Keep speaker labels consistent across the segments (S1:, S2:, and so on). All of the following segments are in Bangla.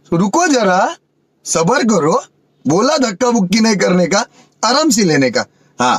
S1: रुको जरा, सबर करो। बोला धक्का बुक्की नहीं करने का, आराम से लेने का। हाँ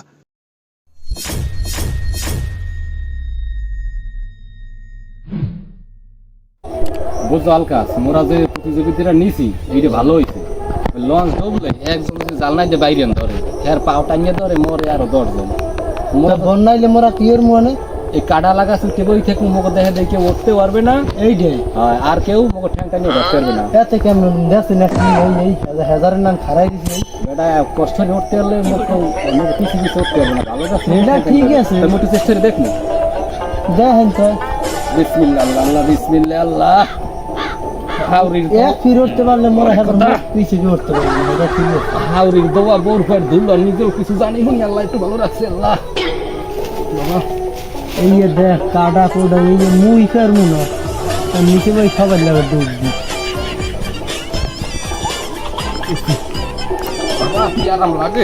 S2: বুঝছো আলকাস, মোরা যে প্রতিযোগিতাটা নিছি এইটা ভালো হয়েছে। লঞ্চ ডুবলে একজন যদি জালনায় যে বাইরে ধরে এর পাও টানিয়ে ধরে মরে আরো 10 জন। মোরা
S3: বন্যাইলে মোরা কিয়ের মনে
S2: এই কাটা লাগাছে কেবলই থেকে মুখ দেখে দেখে উঠতে পারবে না,
S3: এইটাই
S2: হয় আর কেউ মুখ ঠ্যাং টানিয়ে ধরতে পারবে না।
S3: এতে কেমন দেখছি না কি এই হাজারের নাম খারাই দিছি
S2: এটা কষ্ট করে উঠতে হলে মুখ কিছু কিছু উঠতে হবে না। ভালো আছে
S3: এটা ঠিক আছে,
S2: মোটু চেষ্টা করে দেখুন।
S3: দেখেন তো
S2: বিসমিল্লাহ আল্লাহ, বিসমিল্লাহ আল্লাহ। হাউরির
S3: এক ফিরে উঠতে পারলে মোরা এখন পিছিয়ে গিয়ে উঠতে পারবে না। এটা ঠিক আছে,
S2: হাউরির দোয়া বোর ফের ধুল নিজেও কিছু জানি হুনি। আল্লাহ একটু ভালো রাখছে আল্লাহ। বাবা
S3: এই যে দেখ কাটা কোডা এই যে মুই কার মুনা আর নিচে ভাই খাবার লাগে দুধ দি
S2: বাবা কি আরাম লাগে।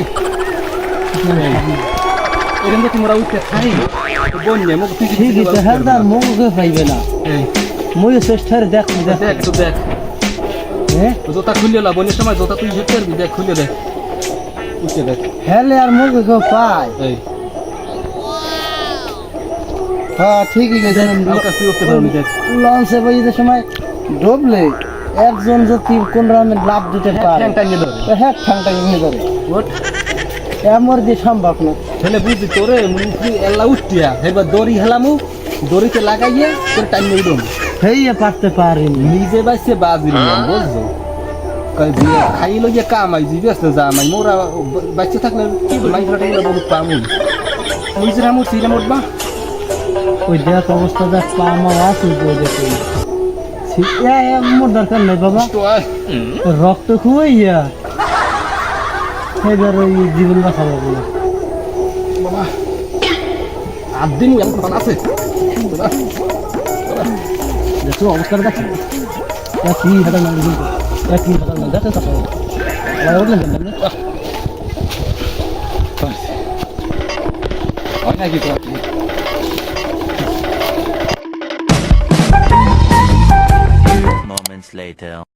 S2: এরকম তোমরা উঠতে খাই বন্যে মুখ পিছিয়ে
S3: ঠিক আছে, হ্যাঁ তার মুখে পাইবে না। মুই চেষ্টারে দেখ দেখ
S2: দেখ তো দেখ,
S3: হ্যাঁ
S2: জোতা খুলে লা বন্যের সময় জোতা তুই হেঁটে পারবি, দেখ খুলে দেখ, উঠে দেখ।
S3: হেলে আর মুখে কেউ পায়।
S2: এই
S3: হ্যাঁ ঠিকই গেছে।
S2: হালকা তুই উঠতে পারবি, দেখ
S3: লঞ্চে বইতে সময় ডুবলে একজন যদি কোন রামে লাভ দিতে পারে
S2: ঠ্যাং টানিয়ে ধরে
S3: হ্যাঁ ঠাংটা নিয়ে ধরে
S2: ওঠ।
S3: এমর দিয়ে সম্ভব না।
S2: ছেলে বুঝি তোরে মুখি এলা উঠিয়া এবার দড়ি হেলামু, দড়িতে লাগাইয়ে তোর টাইম মেরে দেবো।
S3: হেইয়া পারতে পারিনি।
S2: নিজে বাইসে বাজিল বুঝছো, খাইলো গিয়ে কামাই যে ব্যস্ত জামাই মোরা বাচ্চা থাকলে মাইকটা বহুত পামু নিজের আমুর সিরাম উঠবা।
S3: ওই দেখ অবস্থা দেখ পা আমার আছে ওই দেখে মোর দরকার নেই বাবা, রক্ত খুয়াইয়া এবার ওই জীবন বাঁচাবো না
S2: বাবা। 8 দিন আছে
S3: দেখো অবস্থাটা দেখো কি হাজার না কি হাজার না দেখো
S2: হয় নাকি তো
S4: Moments later.